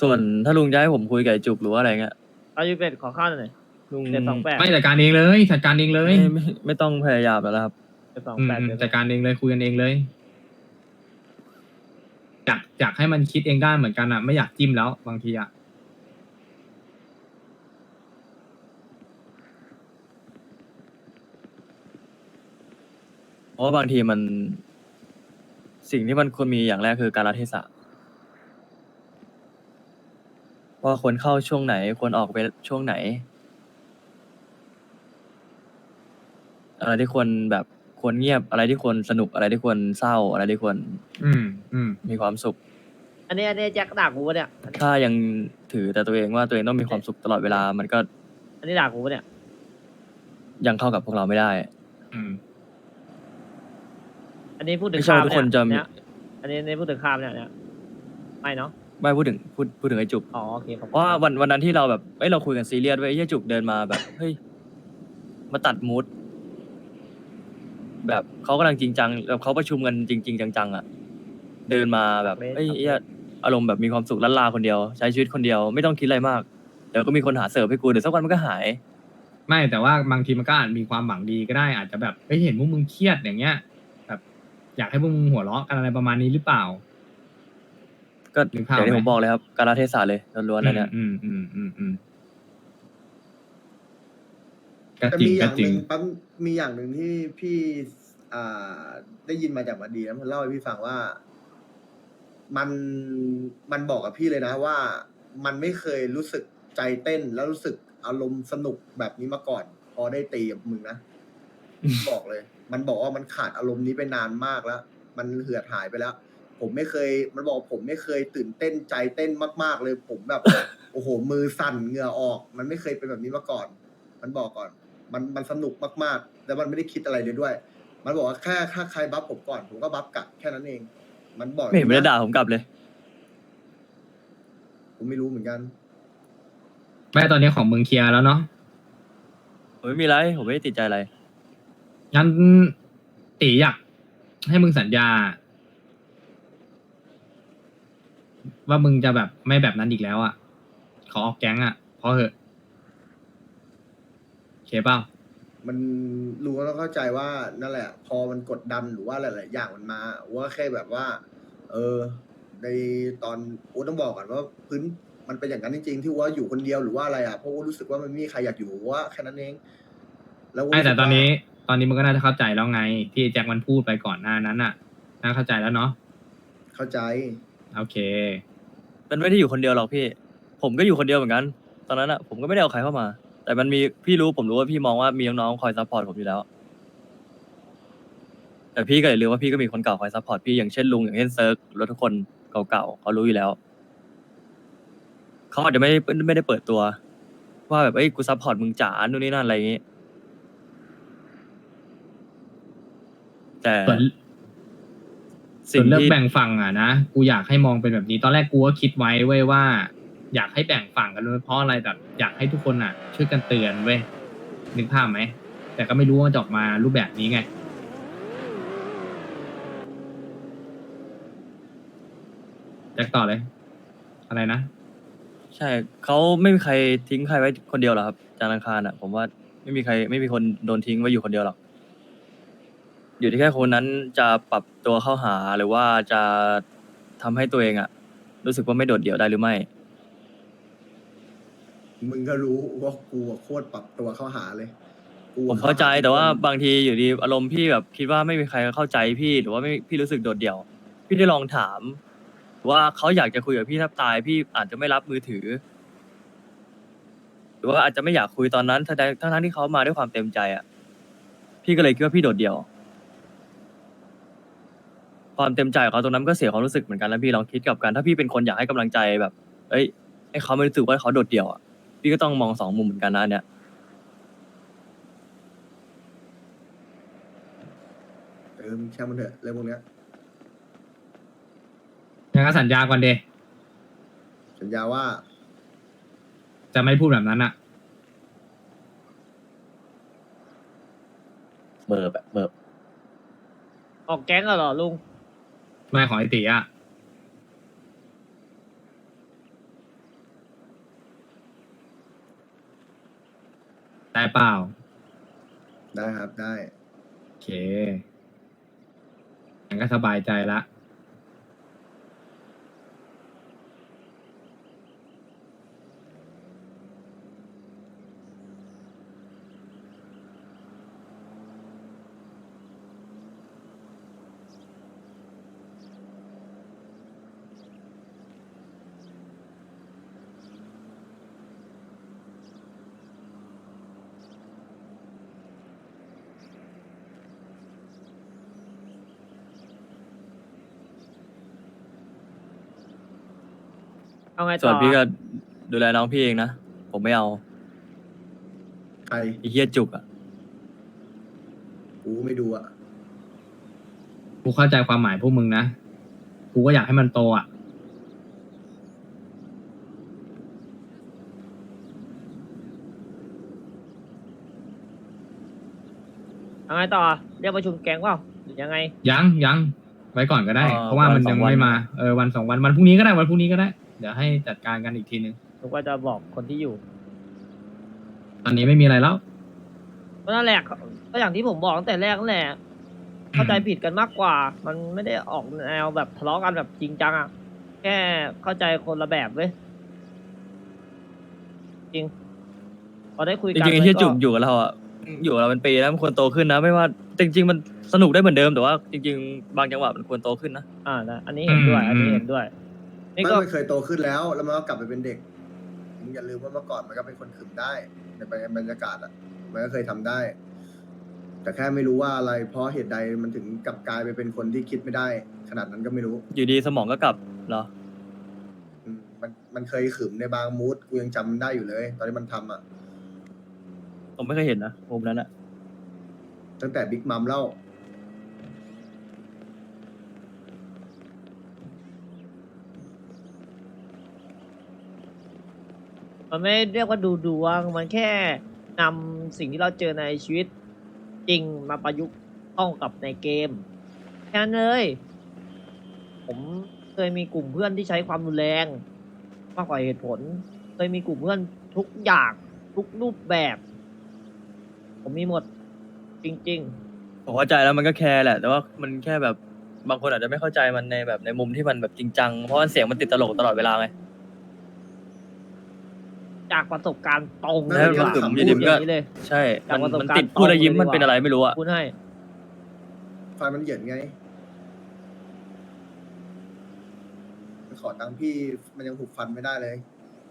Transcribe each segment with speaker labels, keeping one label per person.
Speaker 1: ส่วนถ้าลุงจะให้ผมคุยกับไอ้จุกหรือว่าอะไรเงี้ย
Speaker 2: เอายูเป็ดขอข้าวหน่อย
Speaker 1: ลุง
Speaker 2: เจ็ด28
Speaker 3: ไม่จัดการเองเลยจัดการเองเลย
Speaker 1: ไม่ต้องพยายามแล้วนะครับ
Speaker 2: 728เดี๋ยว
Speaker 3: จัดการเองเลยคุยกันเองเลยอยากให้มันคิดเองได้เหมือนกันอ่ะไม่อยากจิ้มแล้วบางทีอ่ะ
Speaker 1: เพราะว่าบางทีมันสิ่งที่มันควรมีอย่างแรกคือการละเทศะว่าควรเข้าช่วงไหนควรออกไปช่วงไหนอะไรที่ควรแบบควรเงียบอะไรที่ควรสนุกอะไรที่ควรเศร้าอะไรที่ควร
Speaker 3: อืม
Speaker 1: มีความสุข
Speaker 2: อันนี้แจ็คด่ากูปะเนี่ย
Speaker 1: ถ้ายังถือแต่ตัวเองว่าตัวเองต้องมีความสุขตลอดเวลามันก็
Speaker 2: อันนี้ด่ากูปะเนี่ย
Speaker 1: ยังเข้ากับพวกเราไม่ได้
Speaker 3: อืม
Speaker 2: อันนี้พูดถึง
Speaker 1: ไม่ใช่
Speaker 2: ข้าม
Speaker 1: ว่าทุกคนจะ
Speaker 2: เนี่ยอันนี้พูดถึงข้ามเนี่ยไม่เนาะ
Speaker 1: ไม่พูดถึงไอ้จุก
Speaker 2: อ๋อโอเคครับ
Speaker 1: เพราะว่าวันนั้นที่เราแบบเราคุยกันซีเรียสไว้ยไอ้เหี้ยจุกเดินมาแบบเฮ้ยมาตัดมูดแบบเขากำลังจริงจังแบบเขาประชุมกันจริงๆจังๆอ่ะเดินมาแบบเฮ้ยไอ้เหี้ยอารมณ์แบบมีความสุขล้านลาคนเดียวใช้ชีวิตคนเดียวไม่ต้องคิดอะไรมากเดี๋ยวก็มีคนหาเสิร์ฟให้กูเดี๋ยวสักวันมันก็หาย
Speaker 3: ไม่แต่ว่าบางทีมันก็อาจมีความหวังดีก็ได้อาจจะแบบเห็นพวกมึงเครียดอย่างเงี้ยแบบอยากให้พวกมึงหัวเราะกันอะไรประมาณนี้หรือเปล่า
Speaker 1: ก็
Speaker 3: นึก
Speaker 1: อ
Speaker 3: ภาพ
Speaker 1: ย่างที่
Speaker 3: ไหม
Speaker 1: ผมบอกเลยครับการละเทศะเลยล้วนๆนะเนี่ย
Speaker 3: ก็
Speaker 4: แต่
Speaker 3: จริง
Speaker 4: มีอ
Speaker 3: ก็
Speaker 4: ย่าง
Speaker 3: จ
Speaker 4: ห
Speaker 3: ริง
Speaker 4: นึ่งปั๊มมีอย่างหนึ่งที่พี่อ่ได้ยินมาจากมาดีนะมันเล่าให้พี่ฟังว่า มันมันบอกกับพี่เลยนะว่า มันไม่เคยรู้สึกใจเต้นแล้วรู้สึกอารมณ์สนุกแบบนี้มาก่อน พอได้ตีกับมึงนะ บอกเลย มันบอกว่ามันขาดอารมณ์นี้ไปนานมากแล้ว มันเหือดหายไปแล้ว ผมไม่เคย มันบอกผมไม่เคยตื่นเต้นใจเต้นมากๆเลย ผมแบบ โอ้โห มือสั่นเหงื่อออก มันไม่เคยเป็นแบบนี้มาก่อน มันบอกก่อน มันสนุกมากๆ แล้วมันไม่ได้คิดอะไรเลยด้วย มันบอกว่าแค่ถ้าใครบัฟผมก่อน ผมก็บัฟกลับแค่นั้นเอง มันบอก
Speaker 1: ไม่เห็นไม่ได้ด่าผมกลับเลย
Speaker 4: ผมไม่รู้เหมือนกัน
Speaker 3: แม่ตอนนี้ของมึงเคลียร์แล้วเนาะ
Speaker 1: ผมไม่มีอะไรผมไม่ได้ติดใจอะไร
Speaker 3: งั้นตีอยากให้มึงสัญญา ว่ามึงจะแบบไม่แบบนั้นอีกแล้วอ่ะขอออกแก๊งอ่ะพอเหอะโอเคเปล่า
Speaker 4: มันรู้แล้วเข้าใจว่านั่นแหละ พอมันกดดันหรือว่าหลายๆอย่างมันมาว่าแค่แบบว่า ในตอนโอ้ต้องบอกก่อนว่าพื้นมันเป็นอย่างนั้นจริงๆที่ว่าอยู่คนเดียวหรือว่าอะไรอ่ะเพราะว่ารู้สึกว่ามันไม่มีใครอยากอยู่ว่าแค่นั้นเอง แล้ว
Speaker 3: ไม่แต่ตอนนี้มึงก็น่าจะเข้าใจแล้วไงที่แจ็คมันพูดไปก่อนหน้านั้นน่ะน่าเข้าใจแล้วเนาะ
Speaker 4: เข้าใจ
Speaker 3: โอเค
Speaker 1: มันไม่ได้อยู่คนเดียวหรอกพี่ ผมก็อยู่คนเดียวเหมือนกัน ตอนนั้นอ่ะผมก็ไม่ได้เอาใครเข้ามา แต่มันมีพี่รู้ผมรู้ว่าพี่มองว่ามีน้องๆคอยซัพพอร์ตผมอยู่แล้ว แต่พี่ก็อย่าลืมว่าพี่ก็มีคนเก่าคอยซัพพอร์ตพี่อย่างเช่นลุงอย่างเช่นเซิร์กรถทุกคนเก่าๆเขารู้อยู่แล้ว เขาอาจจะไม่ได้เปิดตัว ว่าแบบกูซัพพอร์ตมึงจ๋านู่นนี่นั่นอะไรอย่างงี้ แต่
Speaker 3: ส่วน
Speaker 1: สิ่ง
Speaker 3: เลือก
Speaker 1: ที่
Speaker 3: แบ่งฝั่งอ่ะนะกูอยากให้มองเป็นแบบนี้ตอนแรกกูก็คิดไว้เว้ยว่า อยากให้แบ่งฝั่งกันด้วยเพราะอะไรแบบอยากให้ทุกคนอ่ะ ช่วยกันเตือนเว้ยนึกภาพไหมแต่ก็ไม่รู้ว่าจะออกมารูปแบบนี้ไงแจ็คต่อเลย อะไรนะ
Speaker 1: ใช่เขาไม่มีใครทิ้งใครไว้คนเดียวหรอกครับจานทร์อังคารอ่ะ ผมว่าไม่มีคนโดนทิ้งไว้อยู่คนเดียวหรอก อยู่ที่แค่คนนั้นจะปรับตัวเข้าหาหรือว่าจะทำให้ตัวเองอ่ะ รู้สึกว่าไม่โดดเดี่ยวได้หรือไม่
Speaker 4: มึงก็รู้ว่ากูอะโคตรปรับตัวเข้าหาเลยกู
Speaker 1: ผมเข้าใจแต่ว่าบางทีอยู่ดีอารมณ์พี่แบบคิดว่าไม่มีใครเข้าใจพี่หรือว่าไม่พี่รู้สึกโดดเดี่ยว พี่ได้ลองถามว่าเขาอยากจะคุยกับพี่แทบตายพี่อาจจะไม่รับมือถือ หรือว่าอาจจะไม่อยากคุยตอนนั้นทั้งที่เขามาด้วยความเต็มใจอ่ะพี่ก็เลยคิดว่าพี่โดดเดี่ยว ความเต็มใจของเขาตรงนั้นก็เสียความรู้สึกเหมือนกันแล้วพี่ลองคิดกลับกันถ้าพี่เป็นคนอยากให้กำลังใจแบบ เอ้ยให้เขาไม่รู้สึกว่าเขาโดดเดี่ยวอ่ะพี่ก็ต้องมองสองมุมเหมือนกันนะอันเนี่ย
Speaker 4: มึงแค่มันเถอะเรื่องพวกเนี้ย
Speaker 3: ยังก็สัญญาก่อนเด
Speaker 4: สัญญาว่า
Speaker 3: จะไม่พูดแบบนั้นอ่ะ
Speaker 5: เมิบแบบเมิบ
Speaker 2: ออกแก๊งเหรอลุง
Speaker 3: ไม่ของไอตีอ่ะได้เปล่า
Speaker 4: ได้ครับได้
Speaker 3: โอเคงั้นก็สบายใจละ
Speaker 2: เอาไง
Speaker 1: ส่
Speaker 2: ต่
Speaker 1: ว
Speaker 2: อน
Speaker 1: พี่ก็ดูแลน้องพี่เองนะ ผมไม่เอา
Speaker 4: ใคร
Speaker 1: ไอ้เฮียจุกอ่ะ
Speaker 4: กูไม่ดูอ่ะ
Speaker 3: กูเข้าใจความหมายพวกมึงนะ กูก็อยากให้มันโตอ่ะ
Speaker 2: เอาไงต่อเรียกประชุมแก๊งเปล่าหรือยังไง
Speaker 3: ยังไว้ก่อนก็ได้ เพราะว่ามันยังไม่มา วันสองวันวันพรุ่งนี้ก็ได้วันพรุ่งนี้ก็ได้ เดี๋ยวให้จัดการกันอีกทีนึง
Speaker 2: ผมก็จะบอกคนที่อยู่
Speaker 3: ตอนนี้ไม่มีอะไรแล้ว
Speaker 2: ก็นั่นแหละก็อย่างที่ผมบอกตั้งแต่แรกนั่นแหละเข้าใจผิดกันมากกว่า มันไม่ได้ออกแนวแบบทะเลาะกันแบบจริงจังอ่ะแค่เข้าใจคนละแบบเว้ยจริงพอได้คุย
Speaker 1: จ
Speaker 2: กัน
Speaker 1: ริงๆไอ้เฮีย
Speaker 2: มัน
Speaker 1: จุกอยู่กับเราอ่ะ อยู่กับเราเป็นปีแล้วมันควรโตขึ้นนะ ไม่ว่าจริง ๆ มันสนุกได้เหมือนเดิมแต่ว่าจริง ๆ บางจังหวะมันควรโตขึ้นนะ
Speaker 2: นะอันนี้เห็นด้วย
Speaker 3: อืม
Speaker 2: อันนี้เห็นด้วย นี่
Speaker 4: ไม่
Speaker 2: ก็
Speaker 4: มันเคยโตขึ้นแล้ว แล้วมันก็กลับไปเป็นเด็กมึงอย่าลืมว่าเมื่อก่อนมันก็เป็นคนขึมได้ในบรรยากาศอ่ะ มันก็เคยทำได้ แต่แค่ไม่รู้ว่าอะไร เพราะเหตุใดมันถึงกลับกลายไปเป็นคนที่คิดไม่ได้ ขนาดนั้นก็ไม่รู้
Speaker 1: อยู่ดีสมองก็กลับเหรอ
Speaker 4: มันเคยขึมในบางมูดกูยังจำได้อยู่เลย ตอนที่มันทำอ่ะ
Speaker 1: ผมไม่เคยเห็นนะมุมนั้นอะ
Speaker 4: ตั้งแต่บิ๊กมัมเล่า
Speaker 2: มันไม่เรียกว่าดูดวงมันแค่นำสิ่งที่เราเจอในชีวิตจริงมาประยุกต์เข้ากับในเกมแค่นั้นเลย ผมเคยมีกลุ่มเพื่อนที่ใช้ความรุนแรงมากกว่าเหตุผล เคยมีกลุ่มเพื่อนทุกอย่างทุกรูปแบบ ผมมีหมดจริง
Speaker 1: ผมเข้าใจแล้วมันก็แคร์แหละ แต่ว่ามันแค่แบบบางคนอาจจะไม่เข้าใจมันในแบบในมุมที่มันแบบจริงจัง เพราะว่าเสียงมันติดตลกตลอดเวลาไง
Speaker 2: ๆ จากประสบการณ์ตรง
Speaker 4: นั่น
Speaker 1: แล้ว
Speaker 4: เป็น
Speaker 2: ดีกว่า
Speaker 4: คำ
Speaker 1: อยู่ดีมันก็
Speaker 2: อย่างนี้เลย
Speaker 1: ใช่
Speaker 2: จากประสบ
Speaker 1: มัน
Speaker 2: การณ์
Speaker 1: ติดพูดแล้วยิ้ม
Speaker 2: ตรงเลย
Speaker 1: มันเป็นอะไรไม่รู้อะ
Speaker 2: พูดให้
Speaker 4: ไฟมันเหยินไง ขอตังค์พี่มันยังหุบฟันไม่ได้เลย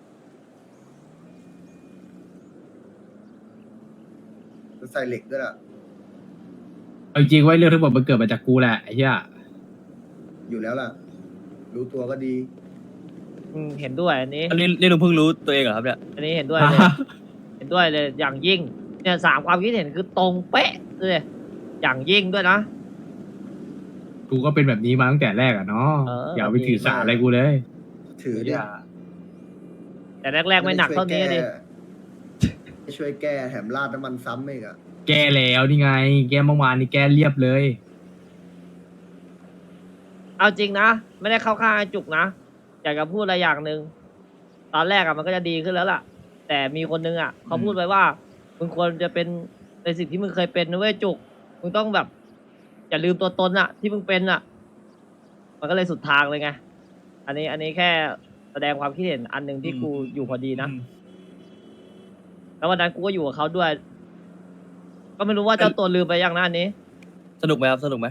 Speaker 4: มันใส่เหล็กด้วยล่ะ
Speaker 3: เอาจริงๆไว้เรื่องทั้งหมดมันเกิดมาจากกูแหละไอ้เหี้ย
Speaker 4: อยู่แล้วล่ะ รู้ตัวก็ดี
Speaker 2: เห็นด้วยอันนี้
Speaker 1: อันนี้ลุงเพิ่งรู้ตัวเองเหรอครับเนี่ย
Speaker 2: อันนี้เห็นด้วยเลย เห็นด้วยเลยอย่างยิ่ง เนี่ยสามความคิดเห็นคือตรงเป๊ะเลยอย่างยิ่งด้วยนะ
Speaker 3: กูก็เป็นแบบนี้มาตั้งแต่แรกอะเนาะ อย่าไปถือสาอะไรกูเลย
Speaker 4: ถือดิ
Speaker 2: แต่แรกๆไม่หนักเท่านี้ดิ
Speaker 4: ไม่ช่วยแก้แถมราดน้ำมันซ้ำอีกอ่ะ
Speaker 3: แก้แล้วนี่ไง แก้เมื่อวานนี่แก้เรียบเลย
Speaker 2: เอาจริงนะ ไม่ได้เข้าข้างไอ้จุกนะ อยากจะพูดอะไรอย่างหนึ่งตอนแรกอะมันก็จะดีขึ้นแล้วล่ะ แต่มีคนนึงอะเขาพูดไว้ว่ามึงควรจะเป็นในสิ่งที่มึงเคยเป็นนะเว้ยจุกมึงต้องแบบ อย่าลืมตัวตนอะที่มึงเป็นอะมันก็เลยสุดทางเลยไงอันนี้แค่แสดงความคิดเห็นอันหนึ่งที่กูอยู่พอดีนะแล้ววันนั้นกูก็อยู่กับเขาด้วย ก็ไม่รู้ว่าเจ้าตัวลืมไปยังนะอันนี้
Speaker 1: สนุกไหมครับ สนุกไหม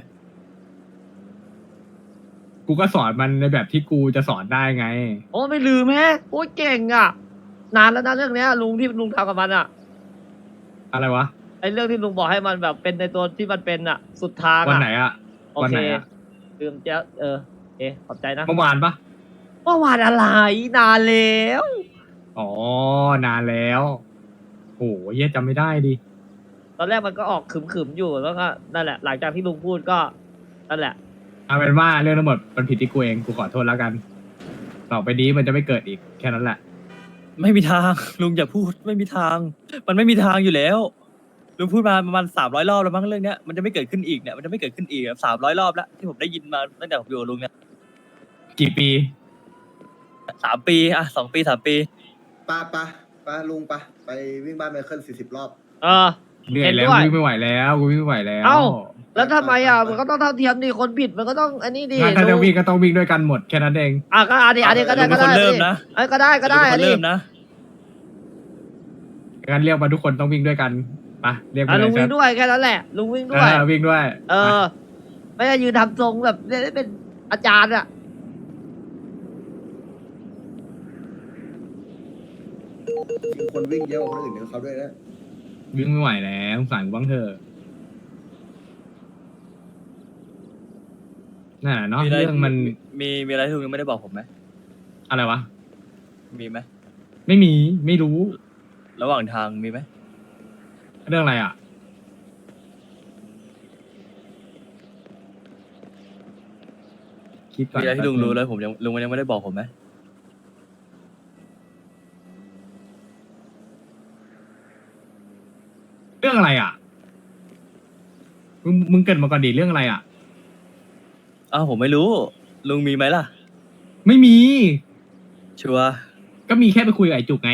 Speaker 3: กูก็สอนมันในแบบที่กูจะสอนได้ไง
Speaker 2: โอ้ไม่ลืมแฮะโอ้ยเก่งอ่ะ นานแล้วนะเรื่องเนี้ยลุงที่ลุงทำกับมันอ่ะ
Speaker 3: อะไรวะ
Speaker 2: ไอเรื่องที่ลุงบอกให้มันแบบเป็นในตัวที่มันเป็นอ่ะ สุดทาง
Speaker 3: วัน
Speaker 2: อ่ะ
Speaker 3: ไหนอะ
Speaker 2: โอ
Speaker 3: วัน
Speaker 2: เค
Speaker 3: ไหนอะ
Speaker 2: ลืมจะโอเคขอบใจนะ
Speaker 3: เมื่อวานปะ
Speaker 2: เมื่อวานอะไรนานแล้ว
Speaker 3: อ๋อนานแล้วโอ้ยเหี้ยจำไม่ได้ดิ
Speaker 2: ตอนแรกมันก็ออกขึมๆอยู่แล้วก็นั่นแหละ หลังจากที่ลุงพูดก็นั่นแหละ
Speaker 3: เอาเป็นว่าเรื่องทั้งหมดมันผิดที่กูเองกูขอโทษแล้วกัน ต่อไปนี้มันจะไม่เกิดอีกแค่นั้นแหละ
Speaker 1: ไม่มีทาง ลุงอย่าพูดไม่มีทาง มันไม่มีทางอยู่แล้ว ลุงพูดมาประมาณ300 รอบแล้วมั้งเรื่องเนี้ยมันจะไม่เกิดขึ้นอีกเนี่ยมันจะไม่เกิดขึ้นอีก300 รอบแล้วที่ผมได้ยินมาตั้งแต่ผมอยู่กับลุงเนี่ย
Speaker 3: กี่ปี
Speaker 1: 3 ปีอ่ะ2 ปี 3 ปี
Speaker 4: ปะปะไปไปลุงไปวิ่งบ้านไมเคิล40 รอบ
Speaker 2: เออ
Speaker 3: เหนื่อยแล้ว
Speaker 2: เห็นด้วย
Speaker 3: กูวิ่งไม่ไหวแล้วกูวิ่งไม่ไหวแล้ว
Speaker 2: เอ้า แล้วทำไมอ่ะ
Speaker 4: ไป
Speaker 2: มันก็ต้องเท่าเทียมดิคนผิดมันก็ต้องอันนี้ดิ
Speaker 3: งั้นถ้าจะ
Speaker 2: ลุง
Speaker 3: วิ่งก็ต้องวิ่งด้วยกันหมดแค่นั้นเอง
Speaker 2: อ่ะก็อันนี้ก็ได้
Speaker 1: ลุงเป็นคนเริ่มนะ
Speaker 2: เอ้ยก็ได้
Speaker 1: ลุงเป็นคน
Speaker 2: อันนี้
Speaker 1: เริ่มนะ
Speaker 3: งั้นเรียกมาทุกคนต้องวิ่งด้วยกันไปเรียก
Speaker 2: อ่ะ
Speaker 3: มาเล
Speaker 2: ลุ
Speaker 3: ย
Speaker 2: ง
Speaker 3: ค
Speaker 2: วิ่
Speaker 3: รั
Speaker 2: ง
Speaker 3: บ
Speaker 2: ด้วยแค่นั้นแหละ ลุงวิ่งด้วย
Speaker 3: วิ่งด้วย
Speaker 2: เออ ไม่ได้ยืนทำทรงแบบได้เป็นอาจารย์อ่ะ
Speaker 4: จริงคนวิ่งเยอะกว่าคนอื่นเขาด้วยนะ
Speaker 3: วิ่งไม่ไหวแล้วสงสารกูบ้างเถอะนั่นแหละเนาะ
Speaker 1: มีอะไร
Speaker 3: เรื่องมัน
Speaker 1: มีอะไรที่ลุงยังไม่ได้บอกผมไหม
Speaker 3: อะไรวะ
Speaker 1: มีไหม
Speaker 3: ไม่มีไม่รู้
Speaker 1: ระหว่างทางมีไหม
Speaker 3: เรื่องอะไรอ่ะคิดก่อน
Speaker 1: มีอะไรที่ลุงรู้แล้วลุงยังไม่ได้บอกผมไหม
Speaker 3: เรื่องอะไรอ่ะมึงเกิดมาก่อนดิเรื่องอะไรอ่ะ
Speaker 1: อ้าวผมไม่รู้ ลุงมีไหมล่ะ
Speaker 3: ไม่มี
Speaker 1: ชัวร์
Speaker 3: ก็มีแค่ไปคุยกับไอ้จุกไง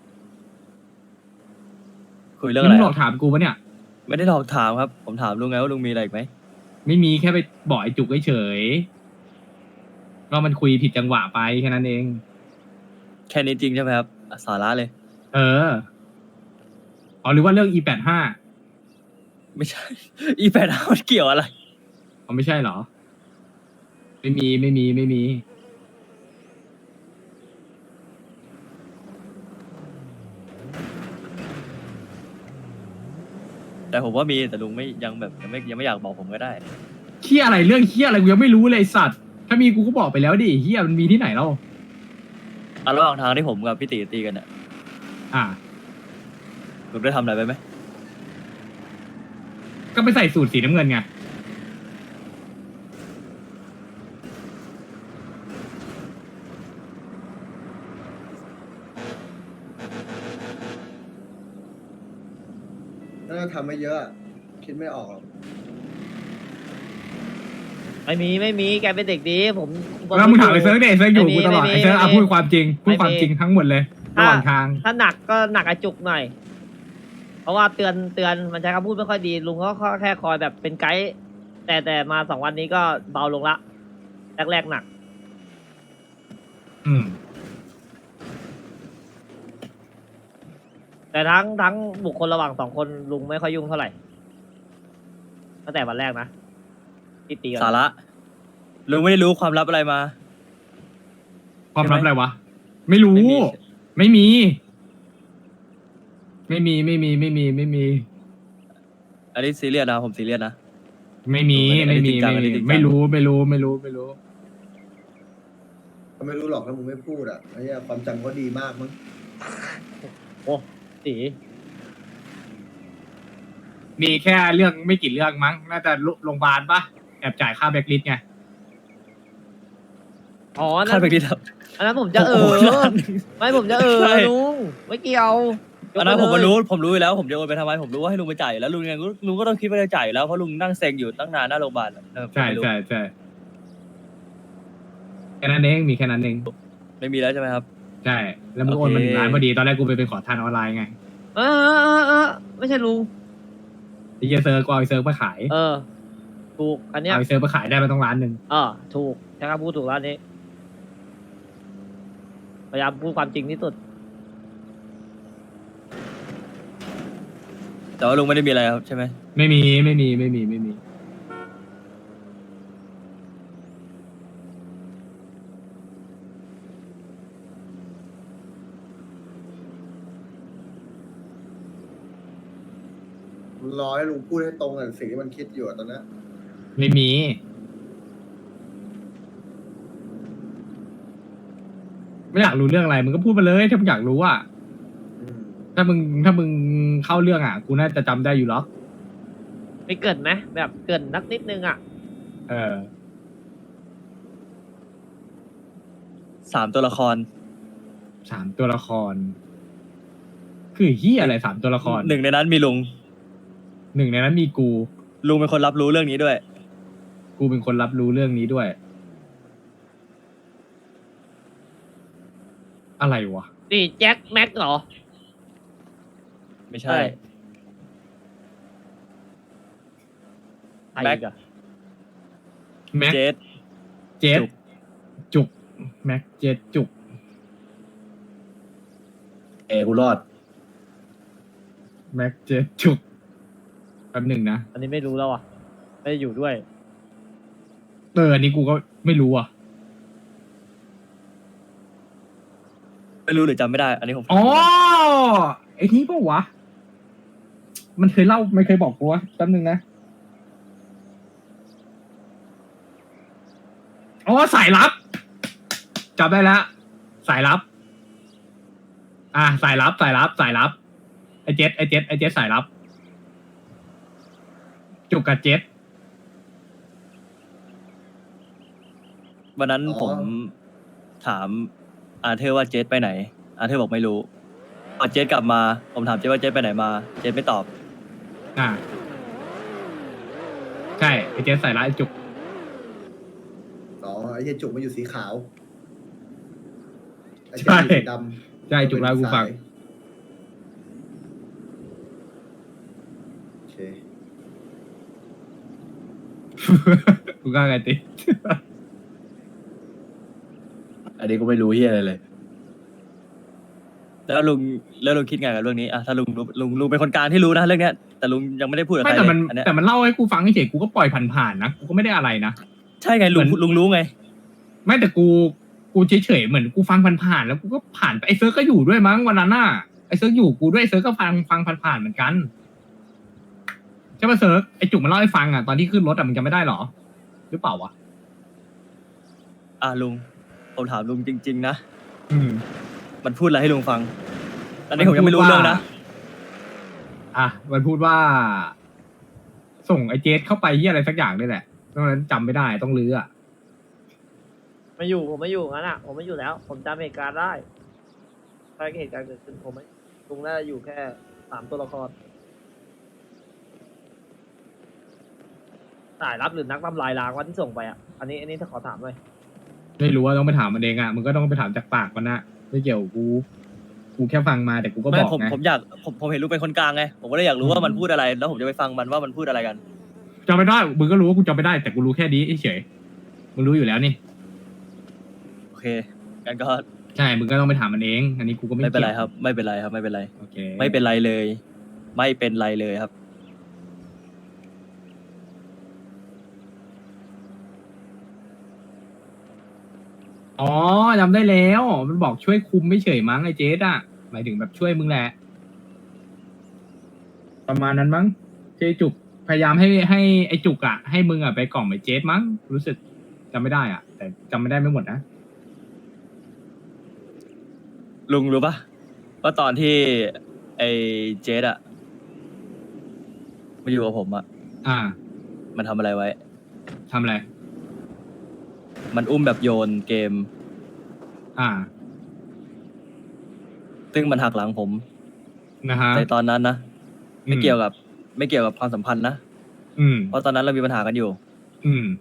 Speaker 1: คุยเรื่องอะไร
Speaker 3: มึงหล
Speaker 1: ค
Speaker 3: อ
Speaker 1: รั
Speaker 3: ก
Speaker 1: บ
Speaker 3: ถามกูปะเนี่ย
Speaker 1: ไม่ได้หลอกถามครับ ผมถามลุงไงว่าลุงมีอะไรอีกไหม
Speaker 3: ไม่มีแค่ไปบอกไอ้จุกเฉยๆก็มันคุยผิดจังหวะไปแค่นั้นเอง
Speaker 1: แค่นี้จริงใช่ไหมครับสาระเลย
Speaker 3: เอออ๋อหรือว่าเรื่อง E85
Speaker 1: ไม่ใช่ อีแปดมันเกี่ยวอะไร
Speaker 3: อ๋อไม่ใช่เหรอ ไม่มี
Speaker 1: แต่ผมว่ามีแต่ลุงไม่ยังแบบยังไม่อยากบอกผมก็ได้
Speaker 3: เฮียอะไรเรื่องเฮียอะไรกูยังไม่รู้เลยไอ้สัตว์ ถ้ามีกูก็บอกไปแล้วดิเฮียมันมีที่ไหนเล่า
Speaker 1: ระหว่างทางที่ผมกับพี่ตีตีกันเนี่ย
Speaker 3: อ่ะ
Speaker 1: ลุงได้ทำอะไรไปไหม
Speaker 3: ก็ไปใส่สูตรสีน้ำเงินไง
Speaker 4: ถ้าทำไม่เยอะอะคิดไม่ออกหรอก
Speaker 2: ไม่มีแกเป็นเด็กดีผม
Speaker 3: แล้วมึงถามไอ้เซิร์ฟดิไอ้เซิร์ฟอยู่กูตลอดไอ้เซิร์ฟพูดความจริงพูดความจริงทั้งหมดเลยระหว่างทาง
Speaker 2: ถ้าหนักก็หนักไอจุกหน่อย เพราะว่าเตือนมันใช้คำพูดไม่ค่อยดีลุงก็แค่คอยแบบเป็นไกด์แต่มา2 วันนี้ก็เบาลงละแรกหนัก
Speaker 3: อืม
Speaker 2: แต่ทั้งบุคคลระหว่าง2 คนลุงไม่ค่อยยุ่งเท่าไหร่ตั้งแต่วันแรกนะที่ตีกัน
Speaker 1: สาระลุงไม่ได้รู้ความลับอะไรมา
Speaker 3: ความลับอะไรวะ ไม่รู้
Speaker 1: ไม่มี
Speaker 3: ไม่มี
Speaker 1: อันนี้ซีเรียสนะผมซีเรียสนะ
Speaker 3: ไม่มี
Speaker 1: อันนี้จริงจังอันนี้จริงจัง
Speaker 3: ไม่รู้
Speaker 4: ก็ไม่รู้หรอกถ้ามึงไม่พูดอ่ะไอ้เหี้ยความจำเขาดีมากมั้ง
Speaker 2: โอ้ตี
Speaker 3: มีแค่เรื่องไม่กี่เรื่องมั้ง น่าจะโรงพยาบาลปะแอบจ่ายค่าแบล็คลิสต์ไง
Speaker 2: อ๋ออัน
Speaker 1: คา
Speaker 2: นั้
Speaker 1: ด
Speaker 2: น
Speaker 1: ไปที่ครับ
Speaker 2: อันนั้นผมจะ
Speaker 1: โอ้โหล้านหนึ่ง
Speaker 2: ไม่ผมจะ
Speaker 1: ใช่
Speaker 2: ลุงไม่เกี่ยว
Speaker 1: อันนั้นผม
Speaker 2: ยกไปเลย
Speaker 1: ผมรู้อยู่แล้วผมจะโอนไปทำไมผมรู้ว่าให้ลุงไปจ่ายอยู่แล้วลุงก็ต้องคิดว่าจะจ่ายอยู่แล้วเพราะลุงนั่งเซ็งอยู่ตั้งนานหน้าโรงพยาบาลอะผม
Speaker 3: ใช่
Speaker 1: ไม่รู้
Speaker 3: แค่นั้นเอง มีแค่นั้นเอง
Speaker 1: ไม่มีแล้วใช่ไหมครับ
Speaker 3: ใช่ แล้วมึงโอนมา
Speaker 1: โอเค
Speaker 3: 1 ล้านพอดี ตอนแรกกูไปเป็นขอทานออนไลน์ไง
Speaker 2: เออไม่ใช่ลุง
Speaker 3: ไอ้เหี้ยเซิร์ฟก็เอาไอ้เซิร์ฟมาขาย
Speaker 2: เออ ถูกอันเนี้ย
Speaker 3: เอาไอ้เซิร์ฟมาขายได้มาต้อง1 ล้าน
Speaker 2: ถูกใช้คำพูดถูกแล้วอันนี้พยายามพูดความจริงที่สุด
Speaker 1: แต่ว่าลุงไม่ได้มีอะไรครับใช่ไหม
Speaker 3: ไม่มี
Speaker 4: รอให้ลุงพูดให้ตรงกับสิ่งที่มันคิดอยู่อะตอนนั้น
Speaker 3: ไม่มี ไม่อยากรู้เรื่องอะไร มึงก็พูดมาเลย ถ้ามึงอยากรู้อ่ะ
Speaker 4: อืม
Speaker 3: ถ้ามึงเข้าเรื่องอ่ะ กูน่าจะจำได้อยู่หรอก
Speaker 2: ไม่เกินไหมแบบเกินนักนิดนึงอ่ะ
Speaker 3: เออ
Speaker 1: 3 ตัวละคร
Speaker 3: 3 ตัวละคร คือเฮียอะไร3 ตัวละคร
Speaker 1: หนึ่งในนั้นมีลุง
Speaker 3: 1 ในนั้นมีกู
Speaker 1: ลุงเป็นคนรับรู้เรื่องนี้ด้วย
Speaker 3: กูเป็นคนรับรู้เรื่องนี้ด้วย อะไรวะ
Speaker 2: นี่แจ็คแม็กเหรอ
Speaker 1: ไม่ใช่
Speaker 2: ใคร
Speaker 1: แม็ก
Speaker 2: อีกอะ
Speaker 3: แม็ก
Speaker 1: เจส
Speaker 3: เจส
Speaker 1: จุก
Speaker 3: จุกแม็กเจสจุก
Speaker 5: กูรอด
Speaker 3: แม็กเจสจุกแป๊บหนึ่งนะ
Speaker 2: อันนี้ไม่รู้แล้วอ่ะไม่ได้อยู่ด้วย
Speaker 3: อันนี้กูก็ไม่รู้อ่ะ
Speaker 1: ไม่รู้หรือจำไม่ได้ อันนี้ผม
Speaker 3: อ๋อไอ้นี่ปะวะมันเคยเล่าไม่เคยบอกกูวะแป๊บหนึ่งนะอ๋อสายลับจำได้แล้วสายลับ สายลับไอเจ็ดสายลับจุกกับเจ็ด
Speaker 1: วันนั้นผมถามอาเธอร์ว่าเจสไปไหน อาเธอร์บอกไม่รู้พอเจสกลับมา ผมถามเจสว่าเจสไปไหนมา เจสไม่ตอบ
Speaker 3: ใช่ไอเจ็ดสายลับไอจุก
Speaker 4: อ๋อไอ้เหี้ยจุกมันอยู่สีขาวไอ้
Speaker 3: ใช่
Speaker 4: เจ๊อยู่สีดำ
Speaker 3: ใช่จุกแล้วกูฟัง
Speaker 4: โอเค
Speaker 3: กูกล้าไงติ
Speaker 5: อันนี้ก็ไม่รู้เฮียอะไรเลย
Speaker 1: แล้วลุงคิดไงกับเรื่องนี้อะถ้าลุงเป็นคนกลางที่รู้นะเรื่องเนี้ย แต่ลุงยังไม่ได้พูดกับใค
Speaker 3: ไม่
Speaker 1: ร
Speaker 3: แต่
Speaker 1: เล
Speaker 3: มัน
Speaker 1: ยอันเนี้ย
Speaker 3: แต่มันเล่าให้กูฟังเฉยๆกูก็ปล่อยผ่านๆนะกูก็ไม่ได้อะไรนะ
Speaker 1: ใช่ไงลุง
Speaker 3: เหมือน
Speaker 1: ลุงรู้ไง
Speaker 3: ไม่แต่กูเฉยๆเหมือนกูฟังผ่านๆแล้วกูก็ผ่านไปไอเซิร์กก็อยู่ด้วยมั้งวันนั้นน่ะไอเซิร์กอยู่กูด้วยไอเซิร์กก็ฟังผ่านๆเหมือนกันใช่ป่ะเซิร์กไอจุกมันเล่าให้ฟังอ่ะตอนที่ขึ้นรถอ่ะมึงจำไม่ได้หรอหรือเปล่าวะ
Speaker 1: ลุงผมถามลุงจริง ๆ นะ
Speaker 3: อืม
Speaker 1: มันพูดอะไรให้ลุงฟัง ตอนนี้ผมยังไม่รู้เรื่องนะ
Speaker 3: มันพูดว่า ส่งไอเจสเข้าไปที่อะไรสักอย่างนี่แหละตอนนั้นจำไม่ได้ต้องลื้ออ่ะ
Speaker 2: ผมไม่อยู่งั้นอ่ะผมไม่อยู่แล้ว ผมจำเหตุการณ์ได้ใช่เหตุการณ์เกิดขึ้นผมไม่ลุงน่าจะอยู่แค่3 ตัวละครสายรับหรือนักทำลายล้างวันที่ส่งไปอ่ะอันนี้ถ้าขอถามหน่อย
Speaker 3: ไม่รู้ว่าต้องไปถามมันเองอ่ะมึงก็ต้องไปถามจากปากมันนะไม่เกี่ยวกับกูแค่ฟังมาแต่กูก็บ
Speaker 1: ไม่
Speaker 3: อก
Speaker 1: ผม
Speaker 3: ไง
Speaker 1: ผมอยากผมเห็นลุงเป็นคนกลางไง ผมก็เลยอยากรู้ว่ามันพูดอะไร แล้วผมจะไปฟังมันว่ามันพูดอะไรกัน
Speaker 3: จำไม่ได้มึงก็รู้ว่ากูจำไม่ได้แต่กูรู้แค่นี้เฉยมึงรู้อยู่แล้วนี่
Speaker 1: โอเคกันก็
Speaker 3: ใช่มึงก็ต้องไปถามมันเอง อันนี้กูก็ไม่
Speaker 1: ไม่เป็นไร
Speaker 3: กี่ยว
Speaker 1: ครับ ไม่เป็นไรครับ ไม่เป็นไร
Speaker 3: โอเค
Speaker 1: ไม่เป็นไรเลย ไม่เป็นไรเลยครับ
Speaker 3: อ๋อจำได้แล้วมันบอกช่วยคุมไม่เฉยมั้งไอ้เจสอ่ะหมายถึงแบบช่วยมึงแหละประมาณนั้นมั้งเจจุกพยายามให้ไอ้จุกอ่ะให้มึงอ่ะไปกล่อมไอ้เจสมั้งรู้สึกจำไม่ได้อ่ะ แต่จำไม่ได้ไม่หมดนะ
Speaker 1: ลุงรู้ปะว่าตอนที่ไอ้เจสอะมาอยู่กับผมอะ
Speaker 3: อ่า
Speaker 1: มันทำอะไรไว้
Speaker 3: ทำอะไร
Speaker 1: มันอุ้มแบบโยนเกม
Speaker 3: อ่า
Speaker 1: ซึ่งมันหักหลังผม
Speaker 3: นะฮะ
Speaker 1: ในตอนนั้นนะ ไม่เกี่ยวกับความสัมพันธ์นะ
Speaker 3: อืม
Speaker 1: เพราะตอนนั้นเรามีปัญหากันอยู่
Speaker 3: อืม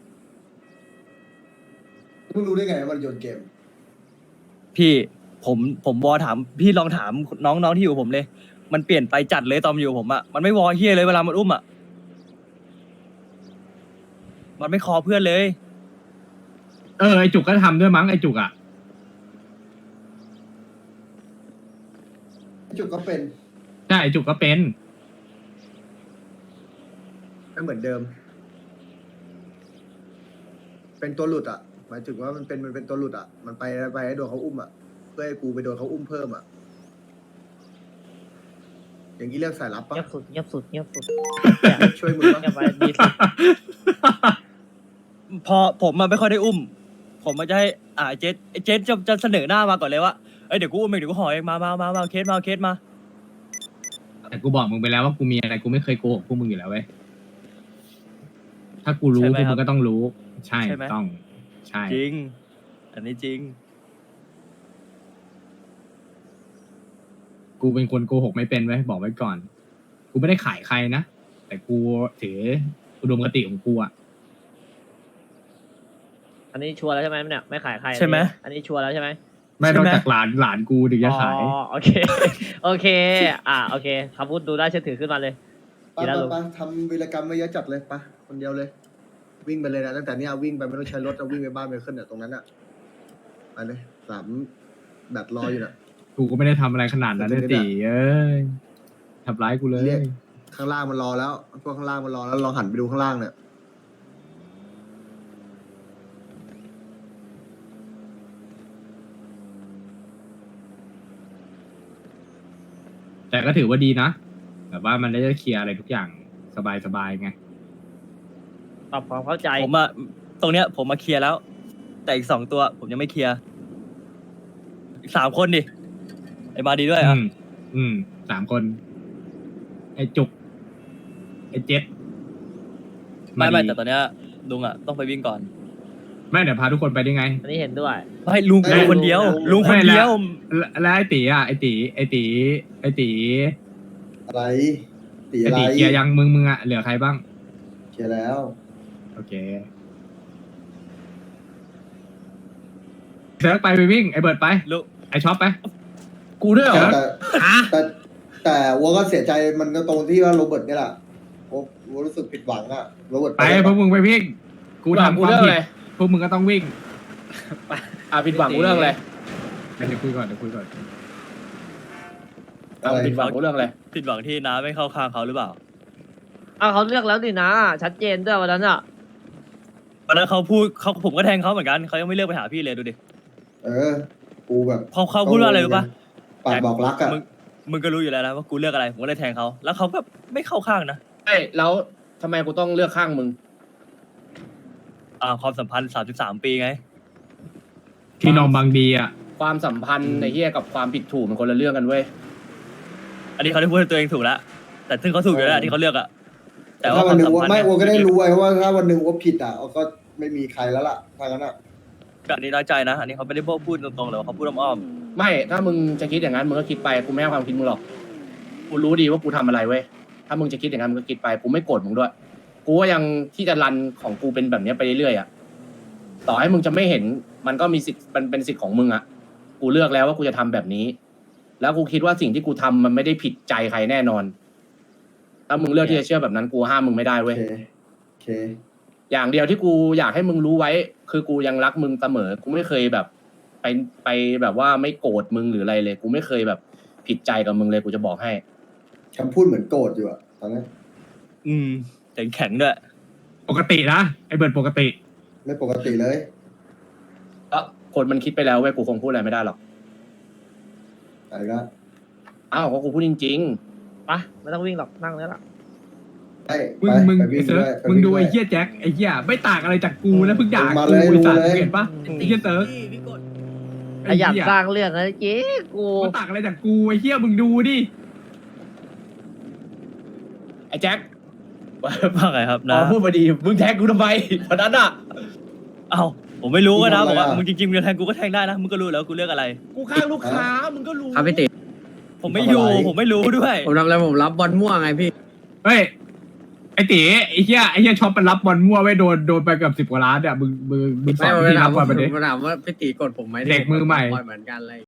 Speaker 4: มึงรู้ได้ไงว่ามันโยนเกม
Speaker 1: พี่ผมวอถามพี่ลองถามน้องที่อยู่กับผมเลย มันเปลี่ยนไปจัดเลยตอนมันอยู่กับผมอะมันไม่วอเฮียเลยเวลามันอุ้มอะมันไม่คอเพื่อนเลย
Speaker 3: ไอ้จุกก็ทำด้วยมั้งไอ้จุกอ่ะ
Speaker 4: จุกก็เป็น
Speaker 3: ใช่ไอ้จุกก็เป็น
Speaker 4: ไม่เหมือนเดิม เป็นตัวหลุดอ่ะหมายถึงว่ามันเป็นตัวหลุดอ่ะ มันไปให้โดนเขาอุ้มอ่ะ เพื่อให้กูไปโดนเขาอุ้มเพิ่มอ่ะ อย่างนี้เรียกสายลับปะ
Speaker 2: เงียบสุดเงียบสุดเงียบสุด
Speaker 4: ช่วยมึงปะ
Speaker 2: เงียบไปดีสุด
Speaker 1: พอผมมันไม่ค่อยได้อุ้ม ผมมันจะให้เจสจะเสนอหน้ามาก่อนเลยว่าเอ้ยเดี๋ยวกูอุ้มเองเดี๋ยวกูห่อเองมาเคสมา
Speaker 3: แต่กูบอกมึงไปแล้วว่ากูมีอะไรกูไม่เคยโกหกพวกมึงอยู่แล้วเว้ย ถ้ากูรู้
Speaker 1: ใช่
Speaker 3: พ
Speaker 1: ไหม
Speaker 3: วก
Speaker 1: ครั
Speaker 3: มึ
Speaker 1: บ
Speaker 3: งก็ต้องรู้ ใช่
Speaker 1: ใช่ไหม
Speaker 3: ต้อง ใช่
Speaker 1: จริง อันนี้จริง
Speaker 3: กูเป็นคนโกหกไม่เป็นไว้ยบอกไว้ก่อน กูไม่ได้ขายใครนะ แต่กูถืออุดมคติของกูอ่ะ
Speaker 2: อันนี้ชัวร์แล้วใช่ไหมเนี่ยไม่ขายใคร
Speaker 1: ใช่ไหม
Speaker 2: อันนี้ชัวร์แล้วใช่ไหม
Speaker 3: ไม่
Speaker 1: ใช่
Speaker 3: นอก
Speaker 1: ไหม
Speaker 3: จากหลานกูถึงจะขาย
Speaker 2: อ๋อโอเค โอเค โอเคคำพูดดูได้เชื่อถือขึ้นมาเลย
Speaker 4: ไปไปไปทำวีรกรรมไม่เยอะจัดเลยไปคนเดียวเลย วิ่งไปเลยนะตั้งแต่เนี้ยวิ่งไปไม่ต้องใช้รถเอาวิ่งไปบ้านไปขึ้นเนี่ยตรงนั้นอ่ะไปเลย3 แบบรออยู่น่ะ
Speaker 3: กูก็ไม่ได้ทำอะไรขนาดนั้นเลยตีเอ้ยทำร้ายกูเลย
Speaker 4: เรียก ข้างล่างมันรอแล้วพวกข้างล่างมันรอแล้วลองหันไปดูข้างล่างเนี่ย
Speaker 3: แต่ก็ถือว่าดีนะแบบว่ามันได้เคลียร์อะไรทุกอย่างสบายๆไง
Speaker 2: ปรับความเข้าใจ
Speaker 1: ผมอะตรงเนี้ยผมมาเคลียร์แล้ว แต่อีก2ตัว ผมยังไม่เคลียร์อีก3 คนดิไอ้มาดีด้วยอ่ะ
Speaker 3: 3 คน ไอ้จุก ไอ้เจ็ด
Speaker 1: ไม่
Speaker 3: ดี
Speaker 1: แต่ตอนเนี้ยลุงอะต้องไปวิ่งก่อน
Speaker 3: ไม่เดี๋ยวพาทุกคนไปได้ไง
Speaker 2: อันนี้เห็นด้วย
Speaker 1: ไม่ลุงคนเดียว ลุงคนเดียว
Speaker 3: แล้วไอ้ตีอ่ะไอ้ตี
Speaker 4: อะไรตี
Speaker 3: ไอ้
Speaker 4: อะไร
Speaker 3: ตีเคลียร์ยังมึงอ่ะเหลือใครบ้าง
Speaker 4: เคลียร์แล้ว
Speaker 3: โอเคเซิร์ฟไปวิ่งไอ้เบิร์ดไป
Speaker 1: ลุง
Speaker 3: ไอ้ช็อปไป
Speaker 5: กูด้วยเหรอ
Speaker 4: แต่วัวก็เสียใจมันก็ตรงที่ว่าโรเบิร์ตเนี่ยแหละวัวรู้สึกผิดหวังอะโรเบิร์ต
Speaker 3: ไปพวกมึงไปวิ่ง กูทำ
Speaker 5: กู
Speaker 3: ความ
Speaker 5: เรื่อง
Speaker 3: ผิด
Speaker 5: อะไร
Speaker 3: พวกมึงก็ต้องวิ่ง
Speaker 5: ผิดหวังกูเรื่องอะไร
Speaker 3: เดี๋ยวคุยก่อน
Speaker 5: ผิดหวังกูเรื่องอะไร
Speaker 1: ผิดหวังที่น้าไม่เข้าข้างเขาหรือเปล่า
Speaker 2: เขาเลือกแล้วดินะ ชัดเจนด้วยวันนั้นอ่ะ
Speaker 1: วันนั้นเขาพูดผมก็แทงเขาเหมือนกันเขายังไม่เลือกไปหาพี่เลยดูดิ
Speaker 4: กูแบบ
Speaker 1: เขาพูดว่าอะไรรู้ปะ
Speaker 4: ปากบอกรักอะ
Speaker 1: มึงก็รู้อยู่แล้วนะว่ากูเลือกอะไรผมก็เลยแทงเขาแล้วเขาก็ไม่เข้าข้างนะ
Speaker 5: แล้วทำไมกูต้องเลือกข้างมึง
Speaker 1: ความสัมพันธ์33 ปีไง
Speaker 3: พี่น้องบางดีอ่ะ
Speaker 5: ความสัมพันธ์ในเฮียกับความผิดถูกมันคนละเรื่องกันเว้ย
Speaker 1: อันนี้เขาได้พูดให้ตัวเองถูกแล้วแต่ซึ่งเขาถูกอยู่แล้วที่เขาเลือกอะแต่ว่า
Speaker 4: ถ้าวันหนึ่ง
Speaker 1: ความสัมพันธ์
Speaker 4: ไม่
Speaker 1: เนี่ย
Speaker 4: วัวก็ได้รู้ไว้ว่าถ้าวันหนึ่งวัวผิดอะก็ไม่มีใครแล้วล่ะทางนั้นอะ
Speaker 1: อันนี้น้อยใจนะ อันนี้เขาไม่ได้พูดตรงๆเลยว่าเขาพูดอ้อม
Speaker 5: ไม่ถ้ามึงจะคิดอย่างนั้นมึงก็คิดไปกูไม่ให้ความคิดมึงหรอกกูรู้ดีว่ากูทำอะไรเว้ยถ้ามึงจะคิดอย่างนั้นมึงก็คิดไปกูไม่โกรธมึงด้วยกูก็ยังที่จะรันของกูเป็นแบบเนี้ยไปเรื่อยๆอ่ะต่อให้มึงจะไม่เห็นมันก็มีสิทธิ์มันเป็นสิทธิ์ของมึงอ่ะกูเลือกแล้วว่ากูจะทำแบบนี้ แล้วกูคิดว่าสิ่งที่กูทำมันไม่ได้ผิดใจใครแน่นอนถ้ามึงเลือกที่จะเชื่อแบบนั้นกูห้ามมึงไม่ได้
Speaker 4: โอ
Speaker 5: เว้ย
Speaker 4: เค
Speaker 5: อย่างเดียวที่กูอยากให้มึงรู้ไว้ คือกูยังรักมึงเสมอ กูไม่เคยแบบไปแบบว่าไม่โกรธมึงหรืออะไรเลย กูไม่เคยแบบผิดใจกับมึงเลยกูจะบอกให้
Speaker 4: คำพูดเหมือนโกรธอยู่อะตอนนั้น
Speaker 1: แต่แข็งด้วย
Speaker 3: ปกตินะไอ้เบิร์ดปกติ
Speaker 4: ไม่ปกติเลย
Speaker 5: ก็คนมันคิดไปแล้วเว้ยกูคงพูดอะไรไม่ได้หรอก
Speaker 4: อะไรก็
Speaker 5: อ้าวก็กูพูดจริง
Speaker 2: ไปไม่ต้องวิ่งหรอกนั่งแล้วล่ะ
Speaker 4: ไอ้
Speaker 3: มึง
Speaker 4: ไป
Speaker 3: ไอ้
Speaker 4: วิ่ง
Speaker 3: เซิร์ฟ
Speaker 4: ด้วย
Speaker 3: มึงดู
Speaker 4: ป
Speaker 3: ไอ้
Speaker 4: วิ่
Speaker 3: เหี้ยแจ็คไอ้เหี้ยไม่ต่างอะไรจากกูนะเพิ่งด่า
Speaker 4: มา
Speaker 3: กู
Speaker 4: เลย
Speaker 3: ไอ้สัตว์
Speaker 4: รู้เลย
Speaker 3: เห็นปะไอ้เหี้ยเซิร์ฟ
Speaker 2: ขยันสร้างเรื่องนะเจ๊กู
Speaker 3: มันต่างอะไรจากกูไอ้เหี้ยมึงดูดิ
Speaker 5: ๆไอ้แจ็ค
Speaker 1: ว่าไงครับ
Speaker 5: อ๋
Speaker 1: นะ
Speaker 5: อพูดมาดีมึงแท็กกูทำไมวันนั้นอ่ะ
Speaker 1: เอ้าผมไม่รู้ก็นะบอกว่ามึงจริงๆมึงจะแทงกูก็แทงได้นะมึงก็รู้แล้วกูเลือกอะไร
Speaker 5: กูข้างลูกค้ามึงก็รู้
Speaker 6: ครับพี่ติ
Speaker 1: ผมไม่อยู่ผมไม่รู้ด้วย
Speaker 6: ผมทำอะไรผมรับบอลม่วงไงพี่
Speaker 3: เฮ้ยไอ้ตีไอ้เหี้ยช็อปมันรับบอลมั่วไว้โดนไปเกือบ10 กว่าล้านเนี่ยมึงสอน
Speaker 6: ไม่
Speaker 3: ที่
Speaker 6: ถา
Speaker 3: รั
Speaker 6: ม
Speaker 3: บบอลไปดิ
Speaker 6: ผมถามว่าพี่ติกดผมไหม
Speaker 3: เด็กมือใหม่
Speaker 6: บอลเหมือนกันเลย